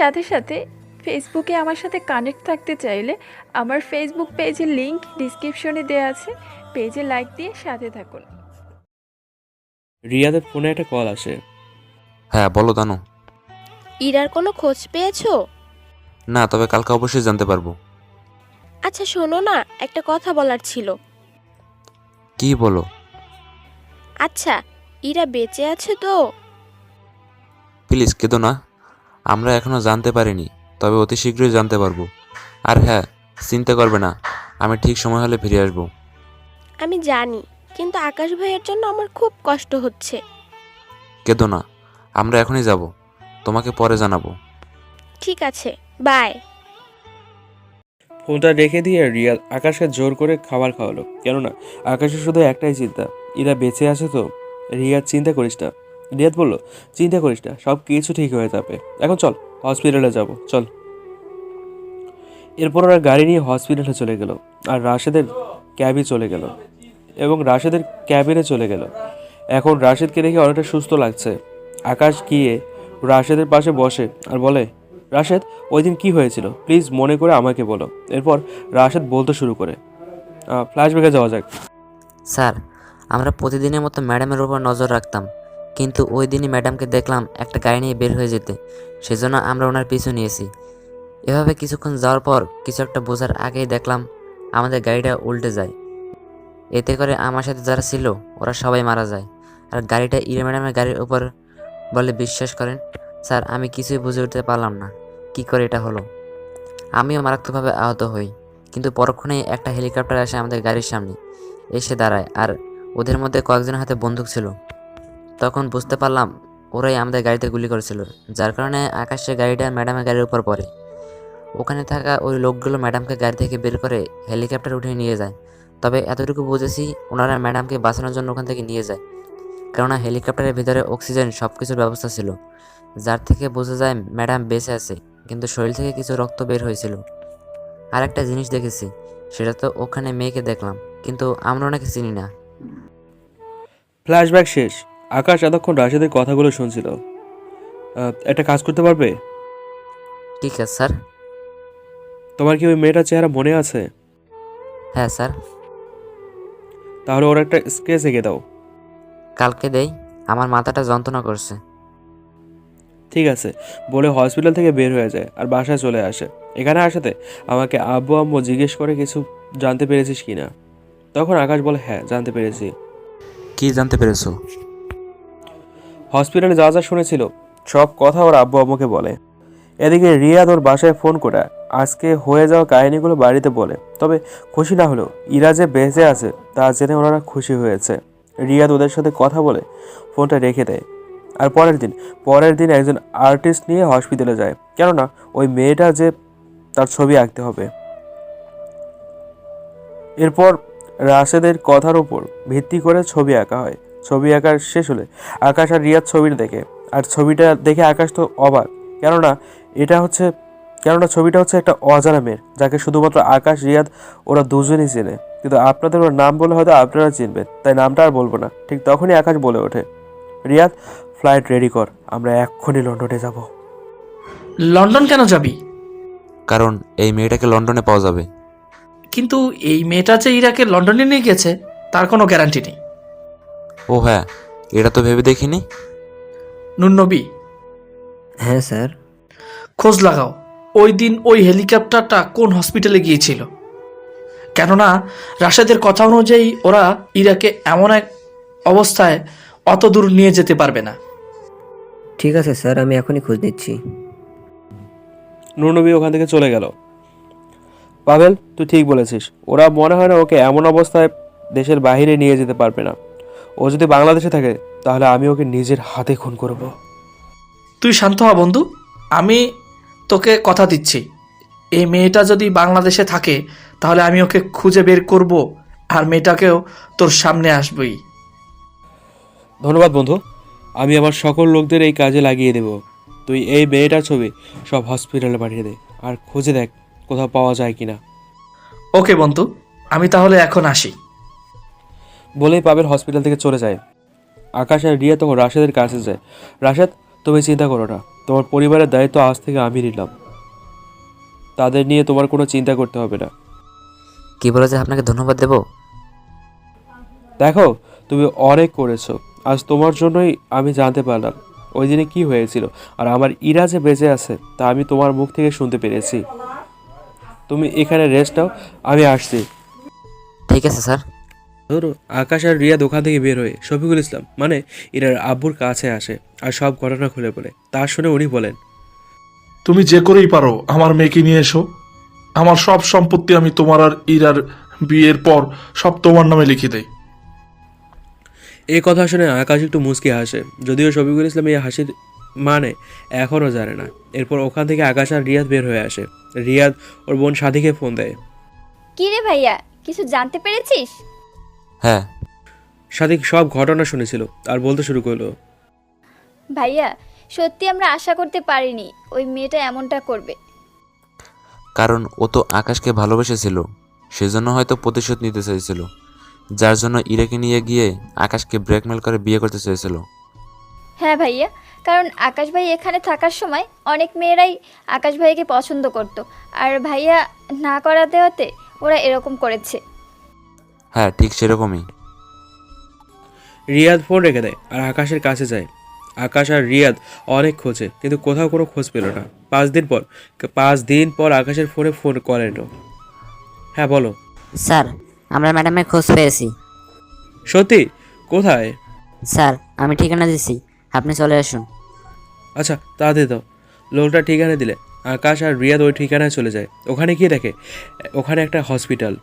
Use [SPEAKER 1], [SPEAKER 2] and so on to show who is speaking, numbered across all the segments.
[SPEAKER 1] সাথে সাথে ফেসবুকে আমার সাথে কানেক্ট থাকতে চাইলে আমার ফেসবুক পেজের লিংক ডিসক্রিপশনে দেওয়া আছে, পেজে লাইক দিয়ে সাথে থাকুন।
[SPEAKER 2] রিয়াদের ফোনে একটা কল আসে।
[SPEAKER 3] হ্যাঁ বলো দানু।
[SPEAKER 4] ইরার কোনো খোঁজ পেয়েছো?
[SPEAKER 3] না, তবে কালকে অবশ্যই জানতে পারবো।
[SPEAKER 4] আচ্ছা শোনো না, একটা কথা বলার ছিল।
[SPEAKER 3] কি বলো?
[SPEAKER 4] আচ্ছা, ইরা বেঁচে আছে তো?
[SPEAKER 3] প্লিজ কেঁদো না, আমরা এখনো জানতে পারিনি, তবে অতি শীঘ্রই জানতে পারবো। আর হ্যাঁ, চিন্তা করবে না, আমি ঠিক সময় হলে ফিরে আসবো।
[SPEAKER 4] আমি জানি, কিন্তু আকাশ ভাইয়ের জন্য আমার খুব কষ্ট হচ্ছে।
[SPEAKER 3] কেঁদো না, আমরা এখনই যাব, তোমাকে পরে জানাবো।
[SPEAKER 4] ঠিক আছে, বাই।
[SPEAKER 2] ফোনটা রেখে দিয়ে রিয়া আকাশকে জোর করে খাবার খাওয়ালো, কেননা আকাশের শুধু একটাই চিন্তা, এরা বেঁচে আছে তো। রিয়াদ চিন্তা করিস না, রিয়াদ বলল, চিন্তা করিস না, সব কিছু ঠিক হয়ে যাবে। এখন চল হসপিটালে যাব, চল। এরপর ওরা গাড়ি নিয়ে হসপিটালে চলে গেল, আর রাশেদের ক্যাবই চলে গেল এবং রাশেদের ক্যাবিনে চলে গেল। এখন রাশেদকে দেখে অনেকটা সুস্থ লাগছে। আকাশ গিয়ে রাশেদের পাশে বসে আর বলে, রাশেদ, ওই দিন কী হয়েছিল প্লিজ মনে করে আমাকে বলো। এরপর রাশেদ বলতে শুরু করে। ফ্ল্যাশব্যাকে যাওয়া যাক।
[SPEAKER 5] স্যার, আমরা প্রতিদিনের মতো ম্যাডামের উপর নজর রাখতাম, কিন্তু ওই দিনই ম্যাডামকে দেখলাম একটা গাড়ি নিয়ে বের হয়ে যেতে, সেজন্য আমরা ওনার পিছু নিয়েছি। এভাবে কিছুক্ষণ যাওয়ার পর কিছু একটা বোঝার আগেই দেখলাম আমাদের গাড়িটা উল্টে যায়। এতে করে আমার সাথে যারা ছিল ওরা সবাই মারা যায়, আর গাড়িটা ইরা ম্যাডামের গাড়ির উপর বলে বিশ্বাস করেন স্যার, আমি কিছুই বুঝে উঠতে পারলাম না কি করে এটা হলো। আমিও মারাত্মকভাবে আহত হই, কিন্তু পরক্ষণেই একটা হেলিকপ্টার আসে আমাদের গাড়ির সামনে এসে দাঁড়ায়, আর ওদের মধ্যে কয়েকজনের হাতে বন্দুক ছিল। তখন বুঝতে পারলাম ওরাই আমাদের গাড়িতে গুলি করেছিল, যার কারণে আকাশের গাড়িটা ম্যাডামের গাড়ির উপর পড়ে। ওখানে থাকা ওই লোকগুলো ম্যাডামকে গাড়ি থেকে বের করে হেলিকপ্টার উঠিয়ে নিয়ে যায়। তবে এতটুকু বুঝেছি ওনারা ম্যাডামকে বাঁচানোর জন্য ওখান থেকে নিয়ে যায়, কেননা হেলিকপ্টারের ভিতরে অক্সিজেন সব কিছুর ব্যবস্থা ছিল, যার থেকে বোঝা যায় ম্যাডাম বেঁচে আছে, কিন্তু শরীর থেকে কিছু রক্ত বের হয়েছিল। আর একটা জিনিস দেখেছি, সেটা তো ওখানে মেয়েকে দেখলাম, কিন্তু আমরা ওনাকে চিনি না।
[SPEAKER 2] ফ্ল্যাশব্যাক শেষ। আকাশ এতক্ষণ রাশেদের কথাগুলো শুনছিল। একটা কাজ করতে পারবে?
[SPEAKER 5] ঠিক আছে স্যার।
[SPEAKER 2] তোমার কি ওই মেয়েটার চেহারা মনে আছে?
[SPEAKER 5] হ্যাঁ স্যার।
[SPEAKER 2] তাহলে ওর একটা স্কেচ এঁকে দাও।
[SPEAKER 5] কালকে দেই, আমার মাথাটা যন্ত্রণা করছে।
[SPEAKER 2] ঠিক আছে বলে হসপিটাল থেকে বের হয়ে যায় আর বাসায় চলে আসে। এখানে আসাতে আমাকে আব্বু আম্মু জিজ্ঞেস করে কিছু জানতে পেরেছিস কি না। তখন আকাশ বলে, হ্যাঁ জানতে পেরেছি।
[SPEAKER 3] কি জানতে পেরেছো?
[SPEAKER 2] হসপিটালে যা যা শুনেছিল সব কথা ওর আব্বু আম্মুকে বলে। এদিকে রিয়াদ ওর বাসায় ফোন করে আজকে হয়ে যাওয়া কাহিনীগুলো বাড়িতে বলে। তবে খুশি না হলেও ইরা যে বেঁচে আছে তা জেনে ওনারা খুশি হয়েছে। রিয়াদ ওদের সাথে কথা বলে ফোনটা রেখে দেয়। আর পরের দিন একজন আর্টিস্ট নিয়ে হসপিটালে যায়, কেননা ওই মেয়েটা যে তার ছবি আঁকতে হবে। এরপর রাশেদের কথার উপর ভিত্তি করে ছবি আঁকা হয়। ছবি আঁকার শেষ হলে আকাশ আর রিয়াদ ছবিটা দেখে, আর ছবিটা দেখে আকাশ তো অবাক, কেননা ছবিটা হচ্ছে একটা অজানা মেয়ের, যাকে শুধুমাত্র আকাশ রিয়াদ ওরা দুজনই চেনে। কিন্তু আপনাদের ওর নাম বলে হয়তো আপনারা চিনবেন, তাই নামটা আর বলবো না। ঠিক তখনই আকাশ বলে ওঠে, রিয়াদ ফ্লাইট রেডি কর, আমরা এক্ষুনি লন্ডনে যাব।
[SPEAKER 6] লন্ডন কেন যাবি?
[SPEAKER 3] কারণ এই মেয়েটাকে লন্ডনে পাওয়া যাবে।
[SPEAKER 6] কিন্তু এই মেয়েটা যে ইরাকে লন্ডনে নিয়ে গেছে তার কোনো গ্যারান্টি নেই।
[SPEAKER 3] ও হ্যাঁ, এটা তো ভেবে দেখিনি।
[SPEAKER 6] নুননবী,
[SPEAKER 7] হ্যাঁ স্যার।
[SPEAKER 6] খোঁজ লাগাও ওই দিন ওই হেলিকপ্টারটা কোন হসপিটালে গিয়েছিল, কেননা রাশেদের কথা অনুযায়ী ওরা ইরাকে এমন এক অবস্থায় অত দূর নিয়ে যেতে পারবে না।
[SPEAKER 7] ঠিক আছে স্যার, আমি এখনই খোঁজ নিচ্ছি।
[SPEAKER 2] নুরনবী ওখান থেকে চলে গেল। পাভেল, তুই ঠিক বলেছিস, ওরা মনে হয় না ওকে এমন অবস্থায় দেশের বাইরে নিয়ে যেতে পারবে না। ও যদি বাংলাদেশে থাকে তাহলে আমি ওকে নিজের হাতে খুন করব।
[SPEAKER 6] তুই শান্ত হ বন্ধু, আমি তোকে কথা দিচ্ছি, এই মেয়েটা যদি বাংলাদেশে থাকে তাহলে আমি ওকে খুঁজে বের করব, আর মেয়েটাকেও তোর সামনে আসবই।
[SPEAKER 2] ধন্যবাদ বন্ধু, আমি আমার সকল লোকদের এই কাজে লাগিয়ে দেব। তুই এই মেয়েটার ছবি সব হসপিটালে পাঠিয়ে দে, আর খুঁজে দেখ কোথাও পাওয়া যায় কিনা।
[SPEAKER 6] ওকে বন্ধু, আমি তাহলে এখন আসি।
[SPEAKER 2] বলেই পাবেল হসপিটাল থেকে চলে যায়। আকাশ আর রিয়া তখন রাশেদের কাছে যায়। রাশেদ, তুমি চিন্তা করো না, তোমার পরিবারের দায়িত্ব আজ থেকে আমি নিলাম। তাদের নিয়ে তোমার কোনো চিন্তা করতে হবে না।
[SPEAKER 5] কি বলে যে আপনাকে ধন্যবাদ দেবো?
[SPEAKER 2] দেখো, তুমি অনেক করেছো। আজ তোমার জন্যই আমি জানতে পারলাম ওই দিনে কি হয়েছিল, আর আমার ইরা যে বেঁচে আছে তা আমি তোমার মুখ থেকে শুনতে পেরেছি। তুমি এখানে রেস্ট নাও, আমি আসছি।
[SPEAKER 5] ঠিক আছে স্যার।
[SPEAKER 2] ধরো, আকাশ আর রিয়া দোকান থেকে বের হয়ে শফিকুল ইসলাম মানে ইরার আব্বুর কাছে আসে আর সব ঘটনা খুলে বলে। তা শুনে উনি বলেন,
[SPEAKER 8] তুমি যে করেই পারো আমার মেয়েকে নিয়ে এসো। আমার সব সম্পত্তি আমি তোমার আর ইরার বিয়ের পর সব তোমার নামে লিখে দেই।
[SPEAKER 2] এই কথা শুনে আকাশ একটু মুচকি হাসে, যদিও শফিকুল ইসলাম এই হাসির মানে এখনও জানে না। এরপর ওখান থেকে আকাশ আর রিয়াদ বের হয়ে আসে। রিয়াদ ওর বোন সাথীকে ফোন দেয়।
[SPEAKER 9] কি রে ভাইয়া, কিছু জানতে পেরেছিস?
[SPEAKER 3] হ্যাঁ,
[SPEAKER 2] সাথী সব ঘটনা শুনেছিল আর বলতে শুরু করলো,
[SPEAKER 9] ভাইয়া, সত্যি আমরা আশা করতে পারিনি ওই মেয়েটা এমনটা করবে।
[SPEAKER 3] কারণ ও তো আকাশকে ভালোবেসেছিল, সেজন্য হয়তো প্রতিশোধ নিতে চেয়েছিল, যার জন্য ইরাকে নিয়ে গিয়ে আকাশকে ব্ল্যাকমেল করে বিয়ে করতে চেয়েছিল।
[SPEAKER 9] হ্যাঁ ভাইয়া, কারণ আকাশ ভাই এখানে থাকার সময় অনেক মেয়েরাই আকাশ ভাইকে পছন্দ করত, আর ভাইয়া না করা দেওয়াতে ওরা এরকম করেছে।
[SPEAKER 3] হ্যাঁ, ঠিক সেরকমই।
[SPEAKER 2] রিয়াদ ফোন রেখে দেয় আর আকাশের কাছে যায়। আকাশ আর রিয়াদ অনেক খোঁজে, কিন্তু কোথাও কোনো খোঁজ পেল না। 5 দিন পর আকাশের ফোনে ফোন করে এলো। হ্যাঁ বলো।
[SPEAKER 5] স্যার, আমরা ম্যাডামের খোঁজ পেয়েছি।
[SPEAKER 2] সত্যি? কোথায়?
[SPEAKER 5] স্যার, আমি ঠিকানা দিচ্ছি, আপনি চলে আসুন।
[SPEAKER 2] আচ্ছা, তা দিয়ে দাও। লোকটা ঠিকানা দিলে আকাশ আর রিয়াদ ওই ঠিকানায় চলে যায়। ওখানে গিয়ে দেখে ওখানে একটা হসপিটাল।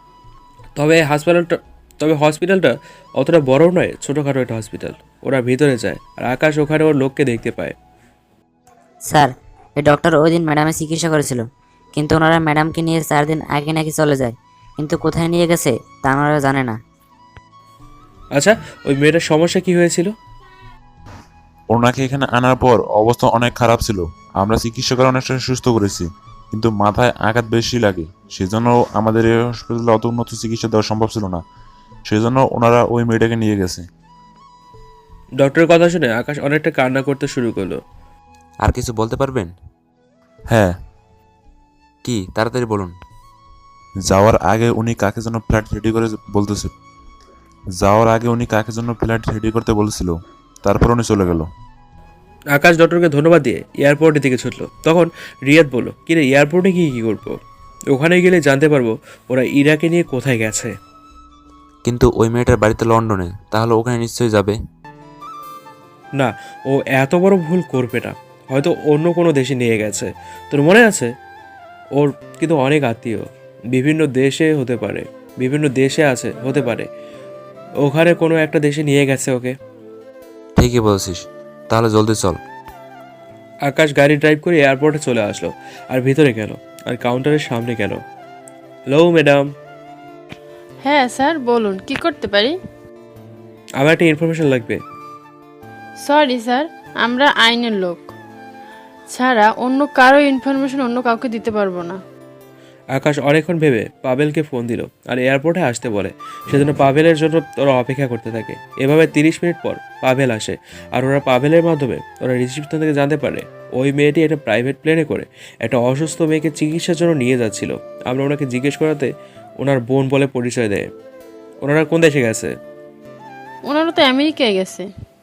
[SPEAKER 2] তবে হসপিটালটা অতটা বড়ও নয়, ছোটোখাটো একটা হসপিটাল। ওরা ভিতরে যায় আর আকাশ ওখানে ওর লোককে দেখতে পায়।
[SPEAKER 5] স্যার, এই ডক্টর ওই দিন ম্যাডামের চিকিৎসা করেছিল, কিন্তু ওনারা ম্যাডামকে নিয়ে 4 দিন আগে নাকি চলে যায়, কিন্তু কোথায় নিয়ে গেছে তা ওনারা জানে না।
[SPEAKER 2] আচ্ছা, ওই মেয়েটার সমস্যা কি হয়েছিল?
[SPEAKER 10] ওনাকে এখানে আনার পর অবস্থা অনেক খারাপ ছিল। আমরা চিকিৎসা করে অনেকটা সুস্থ করেছি, কিন্তু মাথায় আঘাত বেশি লাগে, সেজন্য আমাদের এই হসপিটালে অত উন্নত চিকিৎসা দেওয়া সম্ভব ছিল না, সেজন্য ওনারা ওই মেয়েটাকে নিয়ে গেছে।
[SPEAKER 2] ডক্টরের কথা শুনে আকাশ অনেকটা কান্না করতে শুরু করলো।
[SPEAKER 3] আর কিছু বলতে পারবেন?
[SPEAKER 10] হ্যাঁ,
[SPEAKER 3] কি, তাড়াতাড়ি বলুন।
[SPEAKER 10] যাওয়ার আগে উনি কাকে যেন ফ্ল্যাট রেডি করে বলতেছে। যাওয়ার আগে উনি কাকে জন্য ফ্ল্যাট রেডি করতে বলেছিল, তারপর উনি চলে গেল।
[SPEAKER 2] আকাশ ডক্টরকে ধন্যবাদ দিয়ে এয়ারপোর্টের দিকে ছুটলো। তখন রিয়াদ বলল, কিরে এয়ারপোর্টে গিয়ে কী করবো? ওখানে গেলে জানতে পারবো ওরা ইরাকে নিয়ে কোথায় গেছে।
[SPEAKER 3] কিন্তু ওই মেয়েটার বাড়িতে লন্ডনে, তাহলে ওখানে নিশ্চয়ই যাবে।
[SPEAKER 2] না, ও এত বড় ভুল করবে না। হয়তো অন্য কোনো দেশে নিয়ে গেছে। তোর মনে আছে? ওর কিন্তু অনেক আত্মীয় বিভিন্ন দেশে হতে পারে, বিভিন্ন দেশে আছে হতে পারে। ওখানে কোনো একটা দেশে নিয়ে গেছে ওকে।
[SPEAKER 3] ঠিকই বলছিস, তাহলে জলদি চল।
[SPEAKER 2] আকাশ গাড়ি ড্রাইভ করে এয়ারপোর্টে চলে আসলো আর ভিতরে গেল আর কাউন্টারের সামনে গেল। Hello madam.
[SPEAKER 11] হ্যাঁ স্যার, বলুন কি করতে পারি?
[SPEAKER 2] আমার একটা ইনফরমেশন লাগবে।
[SPEAKER 11] সরি স্যার, আমরা আইনের লোক ছাড়া অন্য কারো ইনফরমেশন অন্য কাউকে দিতে পারবো না।
[SPEAKER 2] আকাশ অনেকক্ষণ ভেবে পাভেলকে ফোন দিল আর এয়ারপোর্টে আসতে বলে। সেজন্য পাভেলের জন্য ওরা অপেক্ষা করতে থাকে। এভাবে 30 মিনিট পর পাভেল আসে আর ওরা পাভেলের মাধ্যমে ওরা রিসিপশন থেকে জানতে পারে ওই মেয়েটি একটা প্রাইভেট প্লেনে করে একটা অসুস্থ মেয়েকে চিকিৎসার জন্য নিয়ে যাচ্ছিল। আমরা ওনাকে জিজ্ঞেস করাতে ওনার বোন বলে পরিচয় দেয়। ওনারা কোন দেশে গেছে?
[SPEAKER 11] ওনারা তো আমেরিকায় গেছে।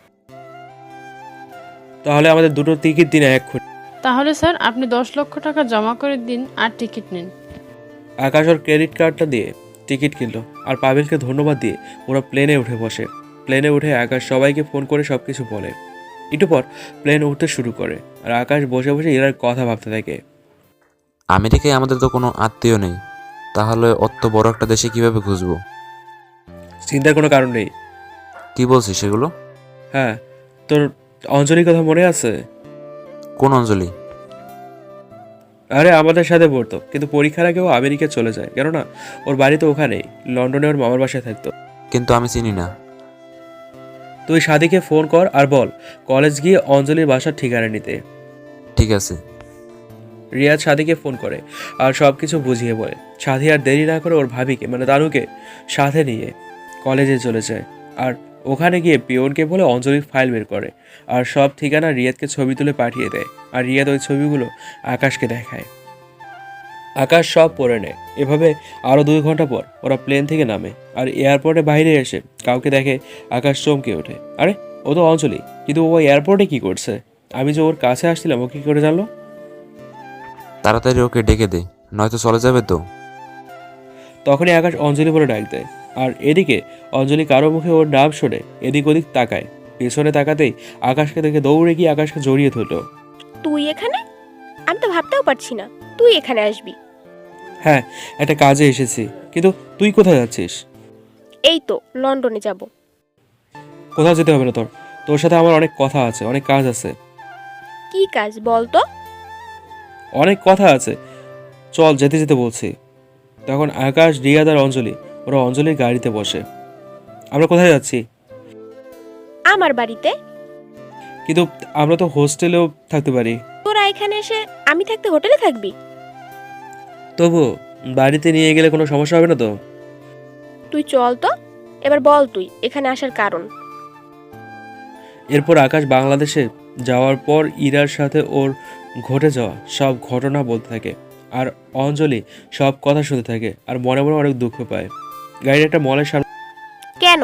[SPEAKER 2] তাহলে আমাদের দুটো টিকিট দিন এক্ষুনি।
[SPEAKER 11] তাহলে স্যার আপনি 10 লক্ষ টাকা জমা করে দিন আর টিকিট নিন।
[SPEAKER 2] আকাশ ওর ক্রেডিট কার্ডটা দিয়ে টিকিট কিনলো আর পাভেলকে ধন্যবাদ দিয়ে ওরা প্লেনে উঠে বসে। প্লেনে উঠে আকাশ সবাইকে ফোন করে সব কিছু বলে। একটু পর প্লেন উঠতে শুরু করে আর আকাশ বসে বসে এরার কথা ভাবতে থাকে।
[SPEAKER 3] আমেরিকায় আমাদের তো কোনো আত্মীয় নেই, তাহলে অত বড় একটা দেশে কিভাবে খুঁজবো?
[SPEAKER 2] চিন্তার কোনো কারণ নেই।
[SPEAKER 3] কি বলছিস সেগুলো?
[SPEAKER 2] হ্যাঁ, তোর অঞ্জলির কথা মনে আছে?
[SPEAKER 3] কোন অঞ্জলি?
[SPEAKER 2] আরে আমাদের সাথে পড়তো, কিন্তু পরীক্ষার আগেও আমেরিকা চলে যায়, কেননা ওর বাড়ি তো ওখানেই, লন্ডনে ওর মামার বাসায় থাকতো।
[SPEAKER 3] কিন্তু আমি চিনি না।
[SPEAKER 2] তুই সাদিকে ফোন কর আর বল কলেজ গিয়ে অঞ্জলির বাসার ঠিকানা নিতে।
[SPEAKER 3] ঠিক আছে।
[SPEAKER 2] রিয়াদ সাদিকে ফোন করে আর সব কিছু বুঝিয়ে বলে। সাদি আর দেরি না করে ওর ভাবিকে মানে দানুকে সাথে নিয়ে কলেজে চলে যায় আর ওখানে গিয়ে পিয়নকে বলে অঞ্জলির ফাইল বের করে আর সব ঠিকানা রিয়াদকে ছবি তুলে পাঠিয়ে দেয়। আর রিয়াদ ওই ছবিগুলো আকাশকে দেখায়। আকাশ সব পড়ে নেয়। এভাবে আরও 2 ঘন্টা পর ওরা প্লেন থেকে নামে আর এয়ারপোর্টে বাইরে এসে কাউকে দেখে আকাশ চমকে ওঠে। আরে ও তো অঞ্জলি, কিন্তু ও এয়ারপোর্টে কি করছে? আমি যে ওর কাছে আসছিলাম ও কি করে জানলো?
[SPEAKER 3] তাড়াতাড়ি ওকে ডেকে দে, নয়তো চলে যাবে তো।
[SPEAKER 2] তখনই আকাশ অঞ্জলি বলে ডাক দেয়। আর এদিকে অঞ্জলি কারো মুখে ওর নাম শুনে এদিক ওদিক তাকায়। পেছনে তাকাতেই আকাশকে দেখে দৌড়ে গিয়ে আকাশকে জড়িয়ে ধরল।
[SPEAKER 4] তুই এখানে? আমি তো ভাবতেও পারছি না তুই এখানে আসবি।
[SPEAKER 2] হ্যাঁ, একটা কাজে এসেছি। কিন্তু তুই কোথায় যাচ্ছিস?
[SPEAKER 4] এই তো লন্ডনে যাব।
[SPEAKER 2] কোথাও যেতে হবে না তোর। তোর সাথে আমার অনেক কথা আছে, অনেক কাজ আছে।
[SPEAKER 4] কি কাজ বল তো?
[SPEAKER 2] অনেক কথা আছে, চল যেতে যেতে বলছি। তখন আকাশ, রিয়াদ আর অঞ্জলি ওরা অঞ্জলির গাড়িতে বসে। আমরা কোথায় যাচ্ছি?
[SPEAKER 4] আমার বাড়িতে।
[SPEAKER 2] কিন্তু আমরা তো হোস্টেলেও থাকতে পারি।
[SPEAKER 4] তোরা এখানে এসে আমি থাকতে হোটেলে থাকবি?
[SPEAKER 2] তবু বাড়িতে নিয়ে গেলে কোনো সমস্যা হবে না তো?
[SPEAKER 4] তুই চল তো, এবার বল তুই এখানে আসার কারণ।
[SPEAKER 2] এরপর আকাশ বাংলাদেশে যাওয়ার পর ইরার সাথে ওর ঘটে যাওয়া সব ঘটনা বলতে থাকে। আর অঞ্জলি সব কথা শুনতে থাকে আর মনে মনে অনেক দুঃখ পায়। গাড়ির একটা মলের সামনে।
[SPEAKER 4] কেন?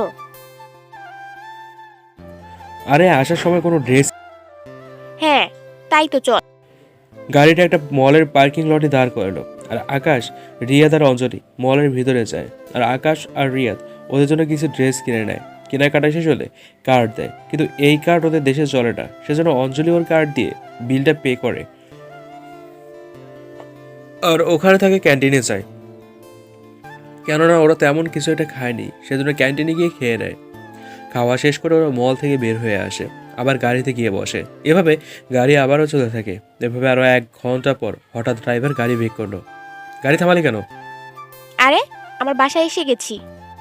[SPEAKER 2] আরে আসার সময় কোনো ড্রেস।
[SPEAKER 4] হ্যাঁ তাই তো, চল।
[SPEAKER 2] গাড়িটা একটা মলের পার্কিং লটে দাঁড় করালো। আর আকাশ, রিয়াদ আর অঞ্জলি মলের ভিতরে যায়। আর আকাশ আর রিয়াদ ওদের জন্য কিছু ড্রেস কিনে নেয়। কেনাকাটা শেষ হলে কার্ড দেয়, কিন্তু এই কার্ড ওদের দেশে চলে না। সেজন্য অঞ্জলি ওর কার্ড দিয়ে বিলটা পে করে আর ওখানে থাকে ক্যান্টিনে যায়। কেননা ওরা তেমন কিছু একটা খায়নি, সেজন্য ক্যান্টিনে গিয়ে খেয়ে নেয়। খাওয়া শেষ করে ওরা মল থেকে বের হয়ে আসে, আবার গাড়িতে গিয়ে বসে। এভাবে গাড়ি আবারও চলতে থাকে। এভাবে আরও 1 ঘন্টা পর হঠাৎ ড্রাইভার গাড়ি ব্রেক করলো। গাড়ি থামালি কেন?
[SPEAKER 4] আরে আমার বাসায় এসে গেছি।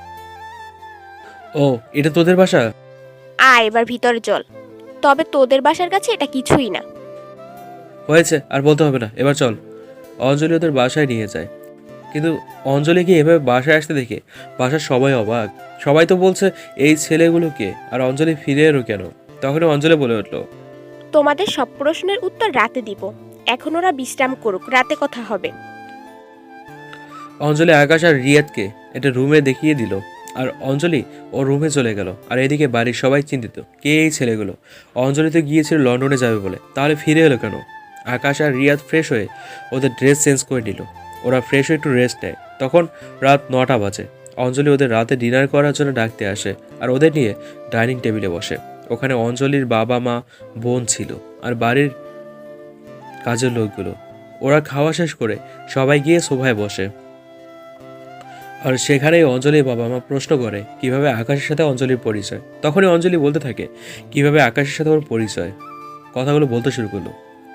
[SPEAKER 2] ও, এটা তোদের বাসা?
[SPEAKER 4] আয় এবার ভিতরে চল। তবে তোদের বাসার কাছে এটা কিছুই না।
[SPEAKER 2] হয়েছে, আর বলতে হবে না, এবার চল। অঞ্জলি ওদের বাসায় নিয়ে যায়। কিন্তু অঞ্জলিকে এভাবে বাসায় আসতে দেখে বাসার সবাই অবাক। সবাই তো বলছে এই ছেলেগুলোকে, আর অঞ্জলি ফিরে এলো কেন? তখনই অঞ্জলি বলে উঠলো,
[SPEAKER 4] তোমাদের সব প্রশ্নের উত্তর রাতে দিব। এখন ওরা বিশ্রাম করুক, রাতে কথা হবে।
[SPEAKER 2] অঞ্জলি আকাশ আর রিয়াদকে একটা রুমে দেখিয়ে দিল। আর অঞ্জলি ও রুমে চলে গেল। আর এদিকে বাড়ির সবাই চিন্তিত, কে এই ছেলেগুলো? অঞ্জলি তো গিয়েছিল লন্ডনে যাবে বলে, তাহলে ফিরে এলো কেন? আকাশ আর রিয়াদ ফ্রেশ হয়ে ওদের ড্রেস চেঞ্জ করে নিল। ওরা ফ্রেশ হয়ে একটু রেস্ট নেয়। তখন রাত 9টা বাজে। অঞ্জলি ওদের রাতে ডিনার করার জন্য ডাকতে আসে আর ওদের নিয়ে ডাইনিং টেবিলে বসে। ওখানে অঞ্জলির বাবা, মা, বোন ছিল আর বাড়ির কাজের লোকগুলো। ওরা খাওয়া শেষ করে সবাই গিয়ে সোফায় বসে। আর সেখানেই অঞ্জলির বাবা মা প্রশ্ন করে কিভাবে আকাশের সাথে অঞ্জলির পরিচয়। তখনই অঞ্জলি বলতে থাকে কিভাবে আকাশের সাথে ওর পরিচয়। কথাগুলো বলতে শুরু করলো।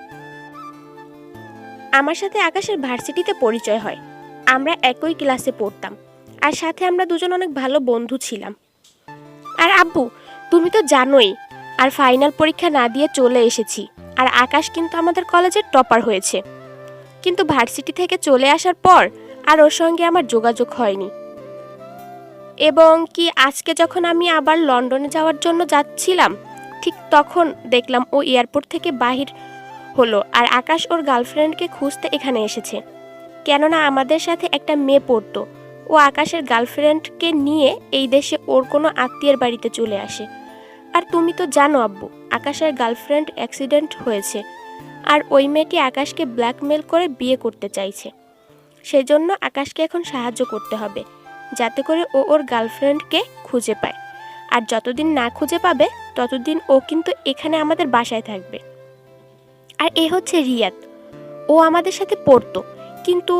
[SPEAKER 4] আমার সাথে আকাশের ভার্সিটিতে পরিচয় হয়। আমরা একই ক্লাসে পড়তাম আর সাথে আমরা দুজন অনেক ভালো বন্ধু ছিলাম। আর আব্বু, তুমি তো জানোই, আর ফাইনাল পরীক্ষা না দিয়ে চলে এসেছি। আর আকাশ কিন্তু আমাদের কলেজের টপার হয়েছে। কিন্তু ভার্সিটি থেকে চলে আসার পর আর ওর সঙ্গে আমার যোগাযোগ হয়নি। এবং কি আজকে যখন আমি আবার লন্ডনে যাওয়ার জন্য যাচ্ছিলাম, ঠিক তখন দেখলাম ও এয়ারপোর্ট থেকে বাহির হলো আর আকাশ ওর গার্লফ্রেন্ডকে খুঁজতে এখানে এসেছে। কেননা আমাদের সাথে একটা মেয়ে পড়তো, ও আকাশের গার্লফ্রেন্ডকে নিয়ে এই দেশে ওর কোনো আত্মীয়ের বাড়িতে চলে আসে। আর তুমি তো জানো আব্বু, আকাশের গার্লফ্রেন্ড অ্যাক্সিডেন্ট হয়েছে আর ওই মেয়েটি আকাশকে ব্ল্যাকমেল করে বিয়ে করতে চাইছে। সেজন্য আকাশকে এখন সাহায্য করতে হবে, যাতে করে ও ওর গার্লফ্রেন্ডকে খুঁজে পায়। আর যতদিন না খুঁজে পাবে ততদিন ও কিন্তু এখানে আমাদের বাসায় থাকবে। আর এ হচ্ছে রিয়াদ, ও আমাদের সাথে পড়তো, কিন্তু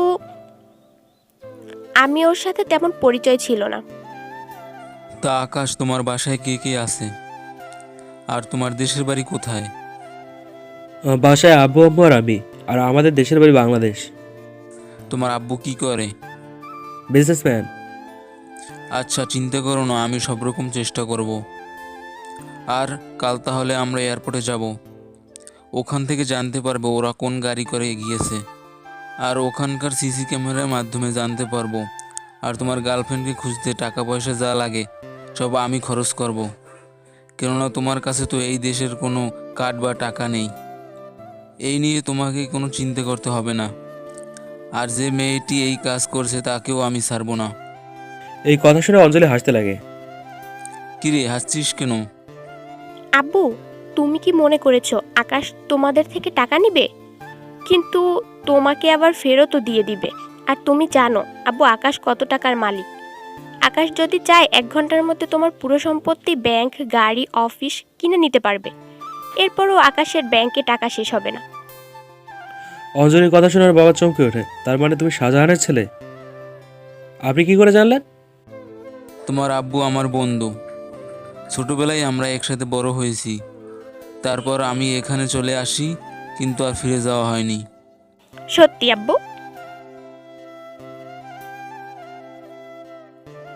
[SPEAKER 4] আমি ওর সাথে তেমন পরিচয় ছিল না।
[SPEAKER 12] তা আকাশ, তোমার বাসায় কে কে আছে? আর তোমার দেশের বাড়ি কোথায়?
[SPEAKER 2] বাসায় আব্বু, আম্মু আর আমি। আর আমাদের দেশের বাড়ি বাংলাদেশ।
[SPEAKER 12] তোমার আব্বু কি করে?
[SPEAKER 2] বিজনেসম্যান।
[SPEAKER 12] আচ্ছা, চিন্তা করো না, আমি সব রকম চেষ্টা করব। আর কাল তাহলে আমরা এয়ারপোর্টে যাব। ওখান থেকে জানতে পারবো ওরা কোন গাড়ি করে গিয়েছে। আর ওখানকার সিসি ক্যামেরার মাধ্যমে জানতে পারবো। আর তোমার গার্লফ্রেন্ডকে খুঁজতে টাকা পয়সা যা লাগে সব আমি খরচ করব, কেননা তোমার কাছে তো এই দেশের কোনো কার্ড বা টাকা নেই। এই নিয়ে তোমাকে কোনো চিন্তা করতে হবে না। আর যে মেয়েটি এই কাজ করছে তাকেও আমি ছাড়বো না।
[SPEAKER 2] এই কথা শুনে অঞ্জলি হাসতে লাগে।
[SPEAKER 12] কিরে হাসছিস কেন?
[SPEAKER 4] আব্বু, তুমি কি মনে করেছো আকাশ তোমাদের থেকে টাকা নিবে? কিন্তু তোমাকে আবার ফেরতও দিয়ে দিবে। আর তুমি জানো আব্বু আকাশ কত টাকার মালিক। আকাশ যদি চায় 1 ঘন্টার মধ্যে তোমার পুরো সম্পত্তি, ব্যাংক, গাড়ি, অফিস কিনে নিতে পারবে। এরপরও আকাশের ব্যাংকে টাকা শেষ হবে না।
[SPEAKER 2] অঞ্জলির কথা শুনে ওর বাবা চমকে ওঠে। তার মানে তুমি শাহজাহানের ছেলে? আপনি কি করে জানলেন?
[SPEAKER 12] তোমার আব্বু আমার বন্ধু। ছোটবেলায় আমরা একসাথে বড় হয়েছি। তারপর আমি এখানে চলে আসি, কিন্তু আর ফিরে যাওয়া হয়নি।
[SPEAKER 4] সত্যি আব্বু?